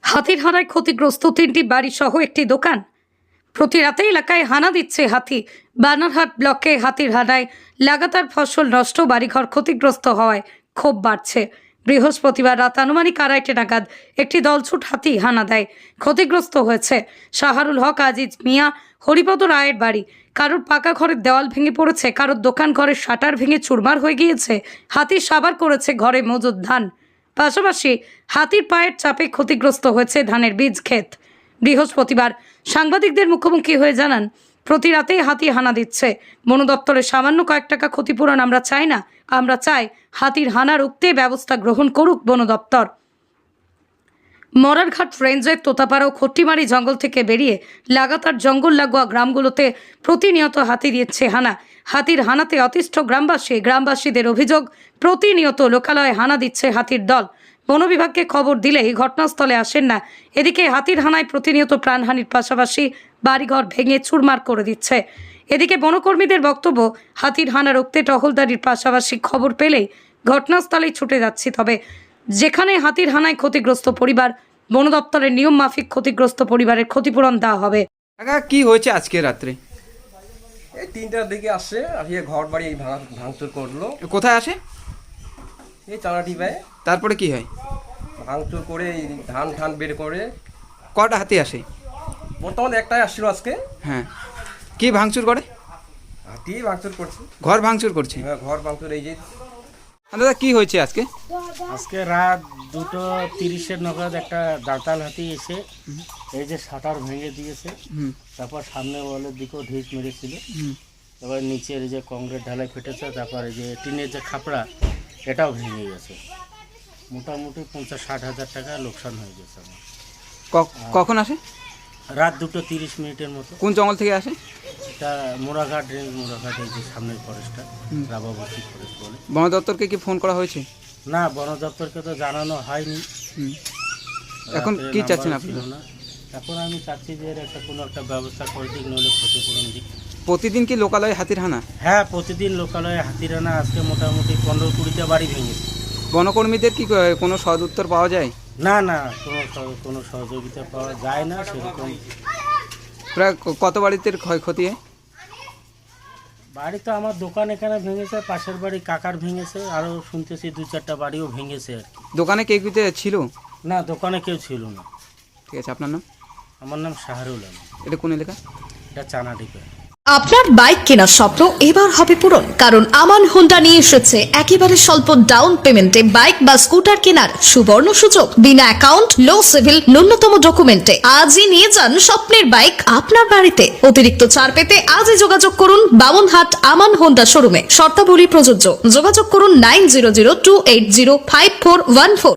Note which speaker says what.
Speaker 1: হাতির হানায় ক্ষতিগ্রস্ত 3টি বাড়ি সহ একটি দোকান। প্রতি রাতে এলাকায় হানা দিচ্ছে হাতি। বানারহাট ব্লকে হাতির হানায় লাগাতার ফসল নষ্ট, বাড়িঘর ক্ষতিগ্রস্ত হওয়ায় ক্ষোভ বাড়ছে। বৃহস্পতিবার রাত আনুমানিক 2:30 নাগাদ একটি দলছুট হাতি হানা দেয়। ক্ষতিগ্রস্ত হয়েছে শাহরুল হক, আজিজ মিয়া, হরিপদ রায়ের বাড়ি। কারোর পাকা ঘরের দেওয়াল ভেঙে পড়েছে, কারোর দোকান ঘরের শাটার ভেঙে চুরমার হয়ে গিয়েছে। হাতি সাবার করেছে ঘরে মজুদ ধান। পাশাপাশি হাতির পায়ের চাপে ক্ষতিগ্রস্ত হয়েছে ধানের বীজ ক্ষেত। বৃহস্পতিবার সাংবাদিকদের মুখোমুখি হয়ে জানান, প্রতি রাতেই হাতি হানা দিচ্ছে। বন দপ্তরের সামান্য কয়েক টাকা ক্ষতিপূরণ আমরা চাই না, আমরা চাই হাতির হানা রুখতে ব্যবস্থা গ্রহণ করুক বন দপ্তর। মরারঘাট রেঞ্জের তোতাপাড়া ও খট্টিমারি জঙ্গল থেকে বেরিয়ে লাগাতার জঙ্গল লাগোয়া গ্রামগুলোতে প্রতিনিয়ত হাতি দিচ্ছে হানা। হাতির হানাতে অতিষ্ঠ গ্রামবাসীদের অভিযোগ, প্রতিনিয়ত লোকালয়ে হানা দিচ্ছে হাতির দল। বন বিভাগকে খবর দিলেই ঘটনাস্থলে আসেন না। এদিকে হাতির হানায় প্রতিনিয়ত প্রাণহানির পাশাপাশি বাড়িঘর ভেঙে চুরমার করে দিচ্ছে। এদিকে বনকর্মীদের বক্তব্য, হাতির হানা রুখতে টহলদারির পাশাপাশি খবর পেলেই ঘটনাস্থলেই ছুটে যাচ্ছি। তবে যেখানে হাতির হানায় ক্ষতিগ্রস্ত পরিবার, বন দপ্তরের নিয়ম মাফিক ক্ষতিগ্রস্ত পরিবারের ক্ষতিপূরণ দেওয়া হবে।
Speaker 2: কি হয়েছে আজকে রাত্রে?
Speaker 3: এই 3টার দিকে আসছে, আসিয়ে ঘর বাড়ি ভাঙচুর করলো।
Speaker 2: কোথায় আসে?
Speaker 3: এই চালাটি পায়ে
Speaker 2: তারপরে কি হয়?
Speaker 3: ভাঙচুর করে এই ধান বের করে।
Speaker 2: কটা হাতি আসে?
Speaker 3: বর্তমানে একটাই আসছিল আজকে।
Speaker 2: হ্যাঁ, কি ভাঙচুর করে?
Speaker 3: হাতি ভাঙচুর করছে,
Speaker 2: ঘর ভাঙচুর করছে।
Speaker 3: হ্যাঁ ঘর ভাঙচুর। এই যে
Speaker 2: দাদা কি হয়েছে আজকে?
Speaker 4: আজকে রাত 2:30 নাগাদ একটা দাঁতাল হাতি এসে এই যে শাটার ভেঙে দিয়েছে। তারপর সামনে ওয়ালের দিকেও ঢিস মেরেছিল। তারপর নিচের এই যে কংক্রিট ঢালাই ফেটেছে, তারপর এই যে টিনের যে খাপড়া এটাও ভেঙে গেছে। মোটামুটি 50-60 হাজার টাকা লোকসান হয়ে গেছে আমার।
Speaker 2: কখন আসে?
Speaker 4: রাত 2:30 মতো।
Speaker 2: কোন জঙ্গল থেকে আসে?
Speaker 4: এটা মোড়াঘাট রেঞ্জ, মোড়াঘাট এই যে সামনের ফরেস্টটা রাবাবতী ফরেস্ট বলে।
Speaker 2: বন দপ্তরকে কি ফোন করা হয়েছে?
Speaker 4: না, বন দপ্তরকে তো জানানো হয়নি।
Speaker 2: এখন কি চাচ্ছেন আপনি?
Speaker 4: এখন আমি চাচ্ছি যে এর কোনো একটা ব্যবস্থা করে দিক, নইলে ক্ষতিপূরণ দিক।
Speaker 2: প্রতিদিন কি লোকালয়ে হাতির হানা?
Speaker 4: হ্যাঁ, প্রতিদিন লোকালয়ে হাতির হানা। আজকে মোটামুটি 15-20টা বাড়ি ভেঙেছে।
Speaker 2: বনকর্মীদের কি কোনো সদ উত্তর পাওয়া যায়?
Speaker 4: না, কোনো সহযোগিতা পাওয়া যায় না সেরকম।
Speaker 2: প্রায় কত বাড়িতে ক্ষয়ক্ষতি হয়?
Speaker 4: বাড়ি তো আমার দোকান এখানে ভেঙেছে, পাশের বাড়ি কাকার ভেঙেছে, আরও শুনতেছি 2-4টা বাড়িও ভেঙেছে আর কি।
Speaker 2: দোকানে কে কিতে ছিল?
Speaker 4: না, দোকানে কেউ ছিল না।
Speaker 2: ঠিক আছে, আপনার নাম?
Speaker 4: আমার নাম শাহরুল আলম।
Speaker 2: এটা কোন এলাকা?
Speaker 4: এটা চানাডিপা।
Speaker 5: আপনার বাইক কেনার স্বপ্ন এবার হবে পূরণ, কারণ আমান হোন্ডা নিয়ে এসেছে একেবারে স্বল্প ডাউন পেমেন্টে বাইক বা স্কুটার কেনার সুবর্ণ সুযোগ। বিনা অ্যাকাউন্ট, লো সিভিল, ন্যূনতম ডকুমেন্টে আজই নিয়ে যান স্বপ্নের বাইক আপনার বাড়িতে। অতিরিক্ত ছাড় পেতে আজই যোগাযোগ করুন বামনহাট আমান হোন্ডা শোরুমে। শর্তাবলী প্রযোজ্য। যোগাযোগ করুন 9002805414।